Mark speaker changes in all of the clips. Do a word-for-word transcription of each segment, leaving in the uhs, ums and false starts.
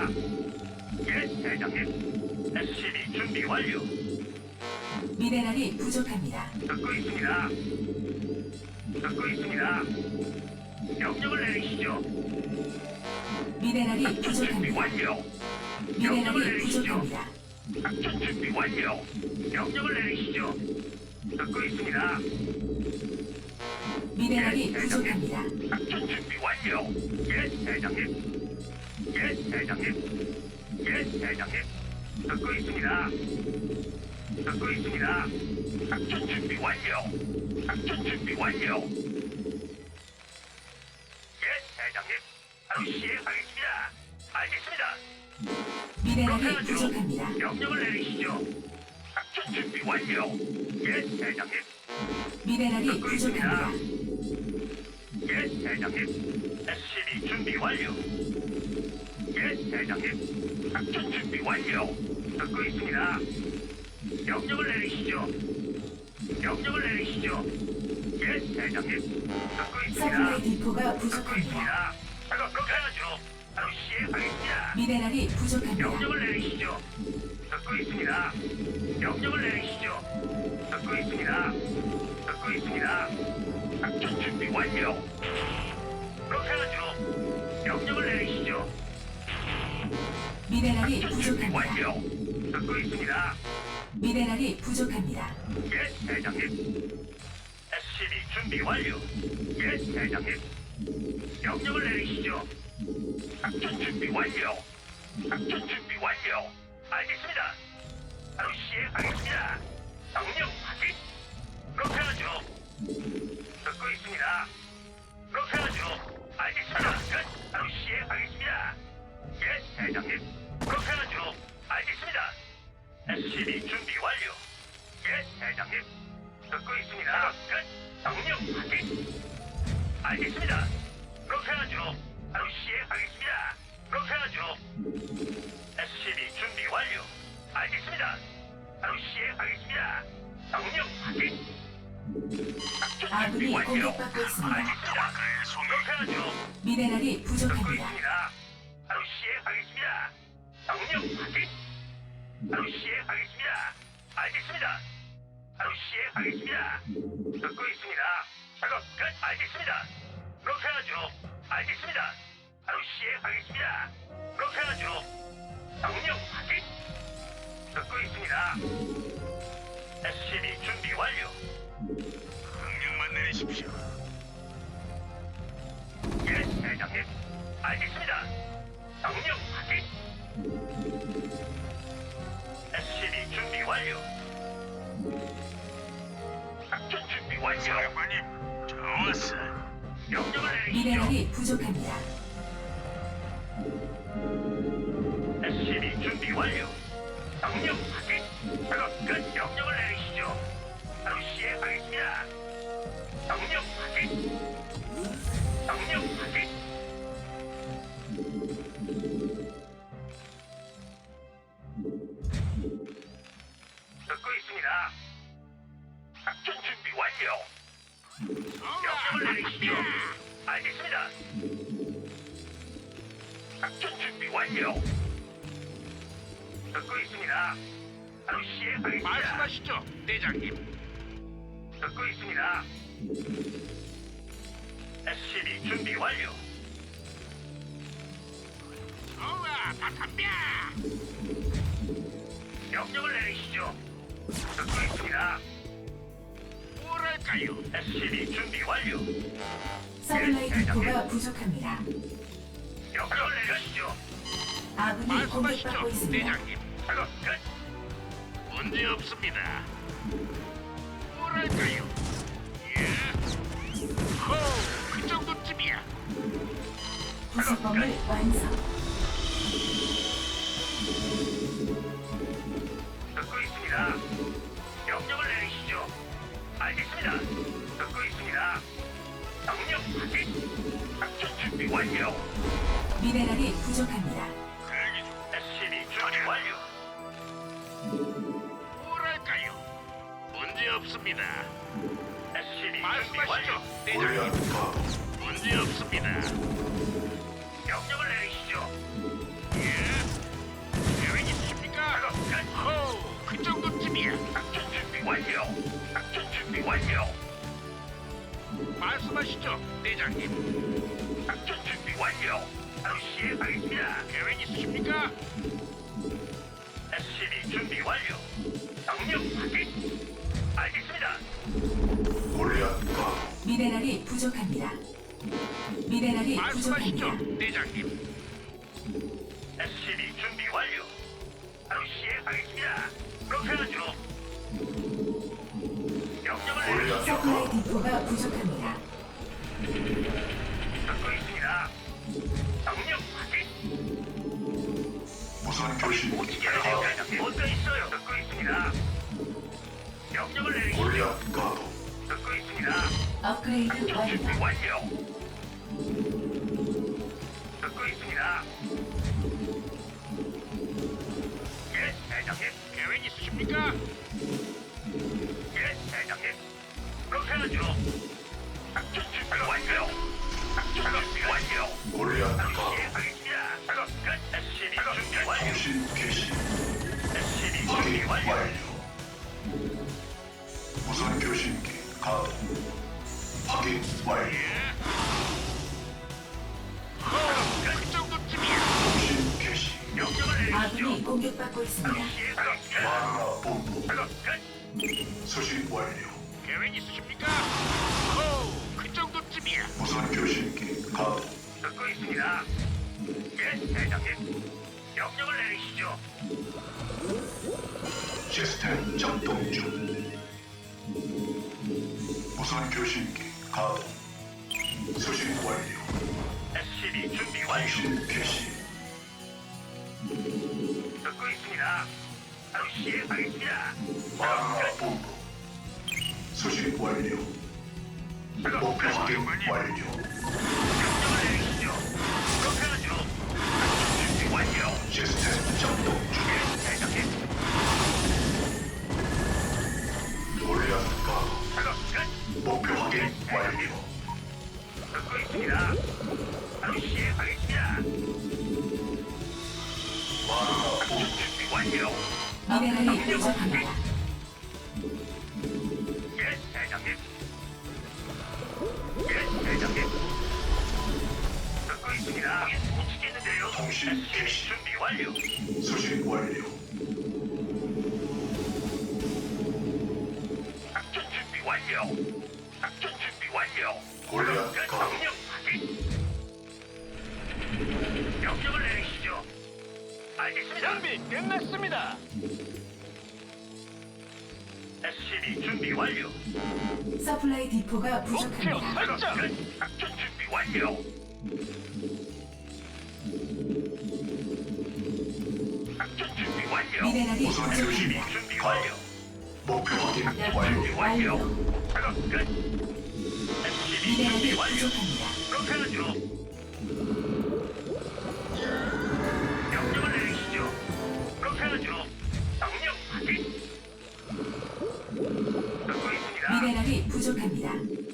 Speaker 1: 있습니다. 예, 대장님. 에스씨비 준비 완료.
Speaker 2: 미네랄이 부족합니다.
Speaker 1: 듣고 있습니다. 듣고 있습니다. 명령을 내리시죠.
Speaker 2: 미네랄이
Speaker 1: 작전 준비
Speaker 2: 부족합니다.
Speaker 1: 완료. 명령을
Speaker 2: 미네랄이
Speaker 1: 내리시죠.
Speaker 2: 부족합니다.
Speaker 1: 작전 준비 완료. 명령을 내리시죠. 듣고 있습니다.
Speaker 2: 미네랄이 부족합니다.
Speaker 1: 작전 준비 완료. 예, 대장님. 예, 대장님. 예, 대장님. 듣고 있습니다. 듣고 있습니다. 작전 준비 완료. 작전 준비 완료. 예, 대장님. 바로 시행하겠습니다. 알겠습니다.
Speaker 2: 미네랄이 부족합니다.
Speaker 1: 명령을 내리시죠. 작전 준비 완료. 예, 대장님.
Speaker 2: 미네랄이
Speaker 1: 듣고 있습니다.
Speaker 2: 부족합니다.
Speaker 1: 예, 대장님. 에스씨비 준비 완료. 예, 대장님. 작전 준비 완료. 듣고 있습니다. 명령을 내리시죠. 명령을 내리시죠. 예, 대장님. 듣고 있습니다.
Speaker 2: 서플라이 디포가
Speaker 1: 듣고
Speaker 2: 부족합니다.
Speaker 1: 있습니다. 작업 그렇게 하죠. 바로 시행하겠습니다.
Speaker 2: 미네랄이 부족합니다.
Speaker 1: 명령을 내리시죠. 듣고 있습니다. 명령을 내리시죠. 듣고 있습니다. 듣고 있습니다. 작전 준비 완료. 그렇게 하죠. 명령을 내리시죠.
Speaker 2: 미네랄이
Speaker 1: 작전 준비
Speaker 2: 부족합니다.
Speaker 1: 완료. 듣고 있습니다.
Speaker 2: 미네랄이 부족합니다.
Speaker 1: 예, 대장님. 에스씨비 준비 완료. 예, 대장님. 명령을 내리시죠. 작전 준비 완료. 작전 준비 완료. 알겠습니다. 바로 시행하겠습니다. 명령 확인. 그렇게 하죠. 듣고 있습니다. 그렇게 하죠. 알겠습니다. 끝. 바로 시행하겠습니다. 예, 대장님. 그렇게 하죠. 알겠습니다. 에스씨비 준비 완료. 예, 대장님. 듣고 있습니다. 끝. 명령 확인. 알겠습니다. 그렇게 하죠. 바로 시행하겠습니다. 그렇게 하죠. 에스씨비 준비 완료. 알겠습니다. 바로 시행하겠습니다. 명령 확인. 작전 준비
Speaker 2: 아군이
Speaker 1: 완료.
Speaker 2: 공격받고 있습니다.
Speaker 1: 알겠습니다. 그렇게 하죠.
Speaker 2: 미네랄이
Speaker 1: 듣고
Speaker 2: 부족합니다.
Speaker 1: 있습니다. 바로 시행하겠습니다. 명령 확인. 바로 시행하겠습니다. 알겠습니다. 바로 시행하겠습니다. 듣고 있습니다. 작업 끝. 알겠습니다. 그렇게 하죠. 알겠습니다. 바로 시행하겠습니다. 그렇게 하죠. 명령 확인. 듣고 있습니다. 에스씨비 준비 완료. 명령만 내리십시오. 예, 대장님. 알겠습니다. 명령 확인. 에스씨비 준비 완료. 작전 준비 완료. 사령관님, 좋았어. 명령을 내리시죠.
Speaker 2: 미네랄이 부족합니다.
Speaker 1: 에스씨비 준비 완료. 명령 확인. 작업 끝. 명령을 내리시죠. 바로 시행하겠습니다. 명령 확인. 명령 확인. 듣고 있습니다. 작전 준비 완료. 명령을 내리시죠. 알겠습니다. 작전 준비 완료. 듣고 있습니다. 바로 시행하겠습니다.
Speaker 3: 말씀하시죠, 대장님.
Speaker 1: 듣고 있습니다. 에스씨비 준비 완료.
Speaker 3: 좋아, 다 덤벼.
Speaker 1: 명령을 내리시죠. 듣고 있습니다.
Speaker 3: 뭐랄까요?
Speaker 1: 에스씨비 준비 완료.
Speaker 2: 서플라이 디포가 부족합니다.
Speaker 1: 명령을 내리시죠.
Speaker 2: 아군이
Speaker 3: 말씀하시죠,
Speaker 2: 공격받고 있습니다.
Speaker 3: 대장님.
Speaker 1: 작업 끝.
Speaker 3: 문제 없습니다. 뭐랄까요? 예. 호, 그 정도쯤이야.
Speaker 2: 부속범을 완성.
Speaker 1: 듣고 있습니다. 명령을 내리시죠. 알겠습니다. 듣고 있습니다. 명령 확인. 작전 준비 완료.
Speaker 2: 미네랄이 부족합니다.
Speaker 1: 대기 중. 에스씨비 준비 완료.
Speaker 3: 뭐랄까요? 문제 없습니다.
Speaker 1: 에스씨비 준비
Speaker 3: 말씀하시죠,
Speaker 1: 완료.
Speaker 3: 대장님. 문제 없습니다.
Speaker 1: 명령을 내리시죠.
Speaker 3: 예. 말씀하시죠, 대장님.
Speaker 1: 작전 준비 완료. 바로 시행하겠습니다.
Speaker 3: 계획 있으십니까?
Speaker 1: 에스씨비 준비 완료. 명령 확인. 알겠습니다.
Speaker 4: 골리앗 가도
Speaker 2: 미네랄이 부족합니다. 미네랄이
Speaker 3: 말씀하시죠,
Speaker 2: 부족합니다.
Speaker 3: 대장님.
Speaker 1: 에스씨비 준비 완료. 바로 시행하겠습니다. 그렇게 하죠. 명령을 내리시죠.
Speaker 2: 서플라이 디포가 부족합니다.
Speaker 1: 듣고 있습니다. 명령 확인.
Speaker 4: 무선 교신
Speaker 1: 어떻게 하세요? 뭔가 있어요. 듣고 있습니다. 명령을 내리시죠.
Speaker 4: 골리앗 가도
Speaker 1: 듣고 있습니다.
Speaker 2: 업그레이드
Speaker 1: 작전 준비
Speaker 2: 완료.
Speaker 1: 완료. 듣고 있습니다. 예, 대장님.
Speaker 3: 계획 있으십니까?
Speaker 1: 예, 대장님. 그렇게 하죠. 작전 준비 완료. 작전 준비 완료.
Speaker 4: 골리앗 가도
Speaker 1: 시행하겠습니다. 작업 끝. 에스씨비 준비 완료.
Speaker 4: 통신 개시
Speaker 1: 에스씨비 준비
Speaker 4: 확인
Speaker 1: 완료.
Speaker 4: 완료. 무선 교신기 가도 확인 완료.
Speaker 3: 호, 그 정도쯤이야.
Speaker 4: 통신 개시
Speaker 1: 명령을 내리시죠.
Speaker 2: 아군이 공격받고 있습니다.
Speaker 1: 시행하겠습니다.
Speaker 4: 마라 본부
Speaker 1: 작업 끝.
Speaker 4: 수신 완료.
Speaker 3: 계획 있으십니까? 호, 그 정도쯤이야.
Speaker 4: 무선 교신기 가도
Speaker 1: 듣고 있습니다. 예, 대장님. 명령을 내리시죠.
Speaker 4: 시스템 작동 중. 무선 교신기 가도 수신 완료.
Speaker 1: 에스씨비 준비 완료.
Speaker 4: 통신 개시
Speaker 1: 듣고 있습니다. 바로 시행하겠습니다.
Speaker 4: 마라 본부 수신 완료.
Speaker 1: 작업
Speaker 4: 목표
Speaker 1: 끝.
Speaker 4: 확인 완료.
Speaker 1: 명령을 내리시죠. 그렇게 하죠. 작전 준비 완료.
Speaker 4: 시스템 작동 중.
Speaker 1: 예, 대장님.
Speaker 4: 골리앗 가도
Speaker 1: 작업 끝.
Speaker 4: 목표 확인 완료.
Speaker 1: 듣고 있습니다. 바로 시행하겠습니다.
Speaker 4: 마라
Speaker 1: 작전
Speaker 4: 본부
Speaker 1: 준비 완료.
Speaker 2: 미네랄이 부족합니다.
Speaker 1: 예, 대장님. 예, 대장님. 듣고 있습니다. 못 치겠는데요.
Speaker 4: 통신
Speaker 1: 에스씨비
Speaker 4: 개시.
Speaker 1: 준비 완료.
Speaker 4: 수신 완료.
Speaker 1: 작전 준비 완료. 작전 준비 완료.
Speaker 4: 골리앗
Speaker 1: 끝.
Speaker 4: 가도
Speaker 1: 명령 확인. 명령을 내리시죠. 알겠습니다.
Speaker 3: 준비 끝났습니다.
Speaker 1: 에스씨비 준비 완료.
Speaker 2: 서플라이 디포가
Speaker 3: 목표
Speaker 2: 부족합니다.
Speaker 3: 설정.
Speaker 1: 끝. 작전 준비 완료. 작전 준비 완료.
Speaker 2: 미네랄이
Speaker 4: 무선
Speaker 2: 부족합니다.
Speaker 4: 교신기
Speaker 1: 준비
Speaker 4: 가도
Speaker 1: 완료.
Speaker 4: 목표 확인
Speaker 1: 준비
Speaker 4: 완료.
Speaker 1: 완료. 작업 끝. 에스씨비 준비
Speaker 2: 미네랄이
Speaker 1: 완료.
Speaker 2: 부족합니다.
Speaker 1: 그렇게 하죠. 명령을 내리시죠. 그렇게 하죠. 명령 확인. 듣고 있습니다.
Speaker 2: 미네랄이 부족합니다.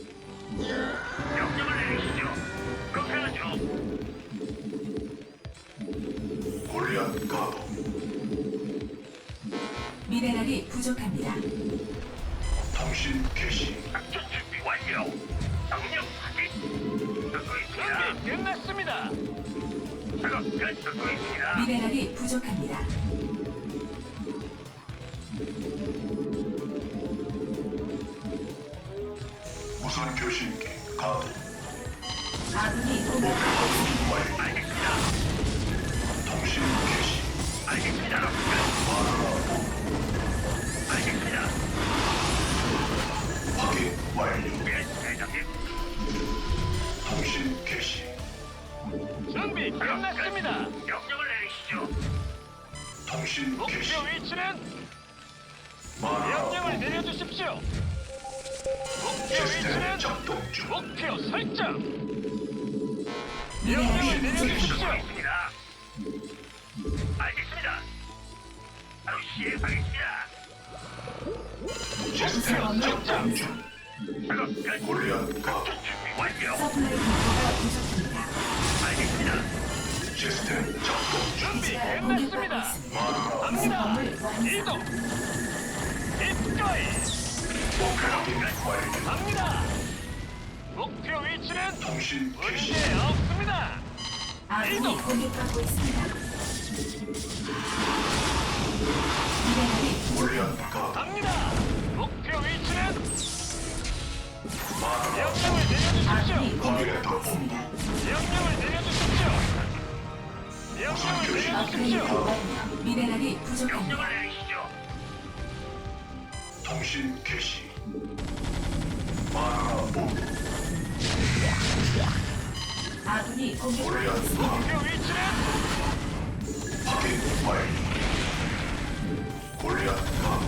Speaker 1: 명령을 내리시죠. 그렇게 하죠.
Speaker 4: 골리앗 가도
Speaker 2: 미네랄이 부족합니다.
Speaker 4: 통신 개시
Speaker 1: 작전 준비 완료. 명령 확인. 듣고 있습니다.
Speaker 3: 준비 끝났습니다.
Speaker 1: 작업 끝. 듣고 있습니다.
Speaker 2: 미네랄이 부족합니다.
Speaker 4: 무선 교신기 가도
Speaker 2: 아군이 공격받고 있습니다.
Speaker 4: 완료.
Speaker 1: 알겠습니다.
Speaker 4: 통신 개시
Speaker 1: 알겠습니다.
Speaker 4: 마라 본부
Speaker 1: 알겠습니다.
Speaker 4: 확인 완료.
Speaker 1: 예, 대장님.
Speaker 4: 통신 개시
Speaker 3: 준비 끝났습니다.
Speaker 1: 명령을 내리시죠.
Speaker 4: 통신
Speaker 3: 목표
Speaker 4: 개시
Speaker 3: 위치는
Speaker 4: 마라
Speaker 3: 명령을
Speaker 4: 본부
Speaker 3: 내려주십시오. 목표
Speaker 4: 시스템
Speaker 3: 위치는
Speaker 4: 작동 중.
Speaker 3: 목표 설정.
Speaker 2: 미네랄이
Speaker 3: 명령을
Speaker 2: 부족합니다.
Speaker 3: 내려주십시오.
Speaker 1: 있습니다. 알겠습니다. 바로 시행하겠습니다.
Speaker 4: 시스템 작동 중.
Speaker 1: 작업 끝.
Speaker 4: 골리앗 가도
Speaker 1: 작전 준비 완료.
Speaker 2: 서플라이 디포가 부족합니다.
Speaker 1: 알겠습니다.
Speaker 4: 시스템 작동 중.
Speaker 3: 준비
Speaker 2: 기지가 공격받고
Speaker 3: 끝났습니다.
Speaker 2: 있습니다.
Speaker 3: 갑니다.
Speaker 2: 건물 완성.
Speaker 3: 이동. 입가에
Speaker 4: 목표 확인 완료.
Speaker 3: 갑니다. 목표 목표 위치는
Speaker 4: 통신 개시.
Speaker 3: 문제 없습니다.
Speaker 2: 아군이
Speaker 3: 이동.
Speaker 2: 공격받고 있습니다. 미네랄이
Speaker 4: 골리앗 가도
Speaker 3: 갑니다. 목표 위치는
Speaker 4: 마라.
Speaker 3: 명령을
Speaker 2: 아군이
Speaker 3: 내려주십시오.
Speaker 2: 공격받고 있습니다.
Speaker 3: 명령을 내려주십시오. 명령을
Speaker 2: 업그레이드
Speaker 3: 내려주십시오.
Speaker 2: 완료. 미네랄이 부족합니다.
Speaker 1: 명령을 내리시죠.
Speaker 4: 통신 개시. 마라 본.
Speaker 2: 아군이 공격받고
Speaker 4: 골리앗
Speaker 2: 있습니다.
Speaker 4: 가도
Speaker 3: 목표 위치는
Speaker 4: 확인 완료. 골리앗 가도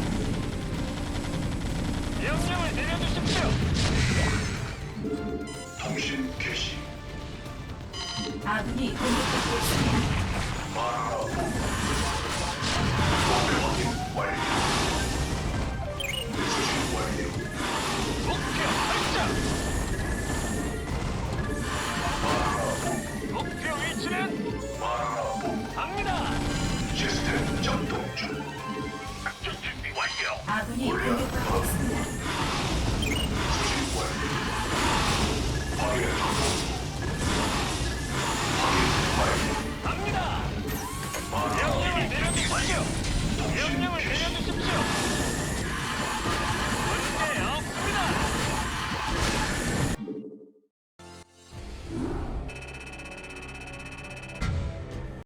Speaker 3: 명령을 내려주십시오.
Speaker 4: 통신 개시.
Speaker 2: 아군이 공격받고 있습니다.